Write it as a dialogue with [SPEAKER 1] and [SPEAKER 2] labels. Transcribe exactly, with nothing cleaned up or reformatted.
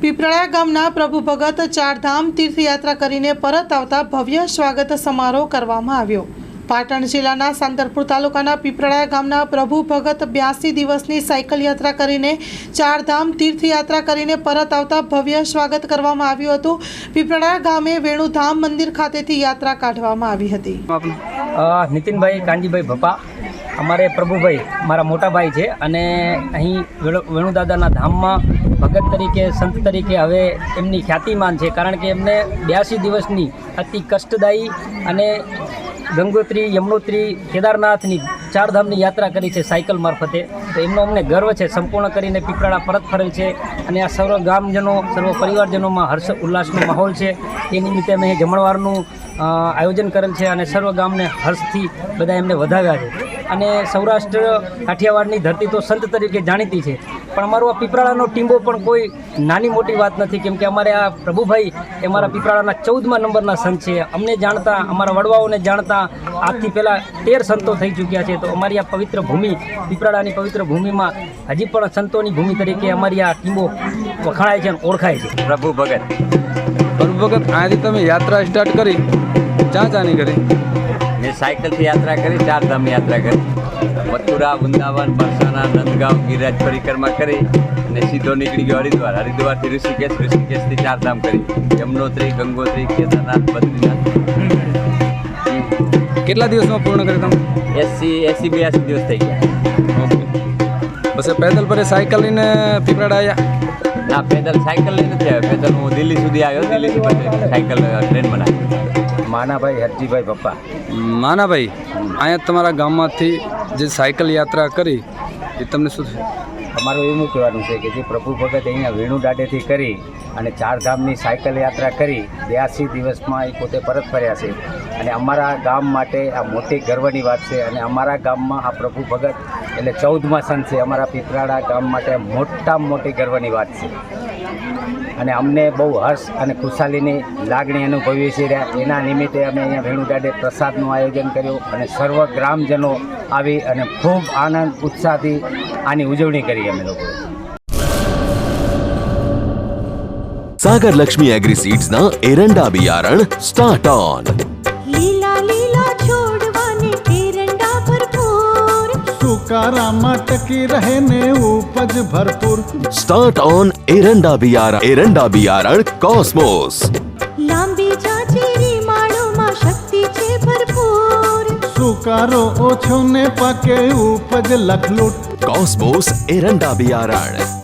[SPEAKER 1] પીપળા ગામના પ્રભુ ભગત ચારધામ તીર્થયાત્રા કરીને પરત આવતા ભવ્ય સ્વાગત સમારોહ કરવામાં આવ્યો। પાટણ જિલ્લાના સાંતરપુર તાલુકાના પીપળા ગામના પ્રભુ ભગત બ્યાસી દિવસની સાયકલ યાત્રા કરીને ચારધામ તીર્થયાત્રા કરીને પરત આવતા ભવ્ય સ્વાગત કરવામાં આવ્યું હતું। પીપળા ગામે વેણુધામ મંદિર ખાતેથી યાત્રા કાઢવામાં આવી હતી।
[SPEAKER 2] નીતિનભાઈ કાનજીભાઈ ભપા અમારે પ્રભુભાઈ મારા મોટા ભાઈ છે અને અહીં વેણુદાદાના ધામમાં ભગત તરીકે સંત તરીકે હવે એમની ખ્યાતિમાન છે, કારણ કે એમને બ્યાસી દિવસની અતિ કષ્ટદાયી અને ગંગોત્રી, યમનોત્રી, કેદારનાથની ચારધામની યાત્રા કરી છે સાયકલ મારફતે। તો એમનો અમને ગર્વ છે। સંપૂર્ણ કરીને પીપળા પરત ફરેલ છે અને આ સર્વ ગામજનો, સર્વ પરિવારજનોમાં હર્ષ ઉલ્લાસનો માહોલ છે। એ નિમિત્તે અમે જમણવારનું આયોજન કરેલ છે અને સર્વ ગામને હર્ષથી બધા એમને વધાવ્યા છે। અને સૌરાષ્ટ્ર કાઠિયાવાડની ધરતી તો સંત તરીકે જાણીતી છે, પણ અમારો આ પીપળાનો ટીંબો પણ કોઈ નાની મોટી વાત નથી, કેમ કે અમારે આ પ્રભુભાઈ એ અમારા પીપળાના ચૌદમા નંબરના સંત છે। અમને જાણતા, અમારા વડવાઓને જાણતા આજથી પહેલાં તેર સંતો થઈ ચૂક્યા છે। તો અમારી આ પવિત્ર ભૂમિ, પીપળાની પવિત્ર ભૂમિમાં હજી પણ સંતોની ભૂમિ તરીકે અમારી આ ટીંબો વખણાય છે અને ઓળખાય છે।
[SPEAKER 3] પ્રભુ ભગત
[SPEAKER 4] પ્રભુ ભગત અહીંથી તમે યાત્રા સ્ટાર્ટ કરી, ક્યાં ચાની કરી?
[SPEAKER 3] મેં સાયકલથી યાત્રા કરી, ચારધામ યાત્રા કરી, મથુરા, વૃંદાવન, બરસાના, નંદગાંવ, ગિરિરાજ પરિક્રમા કરી અને સીધો નીકળી ગયો હરિદ્વાર। હરિદ્વારથી ઋષિકેશ, ઋષિકેશથી ચારધામ કરી, યમનોત્રી, ગંગોત્રી, કેદારનાથ, બદ્રીનાથ।
[SPEAKER 4] કેટલા દિવસમાં પૂર્ણ કરી તમે?
[SPEAKER 3] એસી એસી બ્યાસી દિવસ થઈ ગયા।
[SPEAKER 4] ઓકે, પછી પેદલ પર સાયકલ લઈને પીપળા આવ્યા?
[SPEAKER 3] ના, પેદલ સાયકલ લઈ નથી આવ્યો, પેદલ હું દિલ્હી સુધી આવ્યો, દિલ્હીથી પછી સાયકલ ટ્રેન બનાવી।
[SPEAKER 2] માનાભાઈ હરજીભાઈ ભપ્પા।
[SPEAKER 4] માનાભાઈ, અહીંયા તમારા ગામમાંથી જે સાયકલ યાત્રા કરી એ તમને શું થયું?
[SPEAKER 2] અમારું એવું કહેવાનું છે કે જે પ્રભુ ભગત અહીંયા વેણુદાડેથી કરી અને ચારધામની સાયકલ યાત્રા કરી બ્યાસી દિવસમાં એ પોતે પરત ફર્યા છે અને અમારા ગામ માટે આ મોટી ગર્વની વાત છે। અને અમારા ગામમાં આ પ્રભુ ભગત એટલે ચૌદમા સંત છે। અમારા પીપળાડા ગામ માટે મોટામાં મોટી ગર્વની વાત છે અને અમને બહુ હર્ષ અને ખુશાલીની લાગણી અનુભવીએ છીએ। એના નિમિત્તે અમે અહીંયા વેણુદાડે પ્રસાદનું આયોજન કર્યું અને સર્વ ગ્રામજનો આવી અને ખૂબ આનંદ ઉત્સાહથી આની ઉજવણી કરી અમે લોકો।
[SPEAKER 5] सागर लक्ष्मी एग्री सीड्स ना एरंडा बियारण स्टार्ट ऑन।
[SPEAKER 6] લીલા લીલા છોડવાને એરંડા ભરપૂર,
[SPEAKER 7] સુકારામાં ટકી રહે ને ઉપજ ભરપૂર।
[SPEAKER 5] स्टार्ट ऑन एरंडा बियारण एरंडा बियारण कॉस्मोस।
[SPEAKER 6] લાંબી જાચેરી માળોમાં શક્તિ છે ભરપૂર,
[SPEAKER 7] સુકારો ઓછો ને પાકે ઉપજ લખલૂટ।
[SPEAKER 5] कॉस्मोस एरंडा बियारण।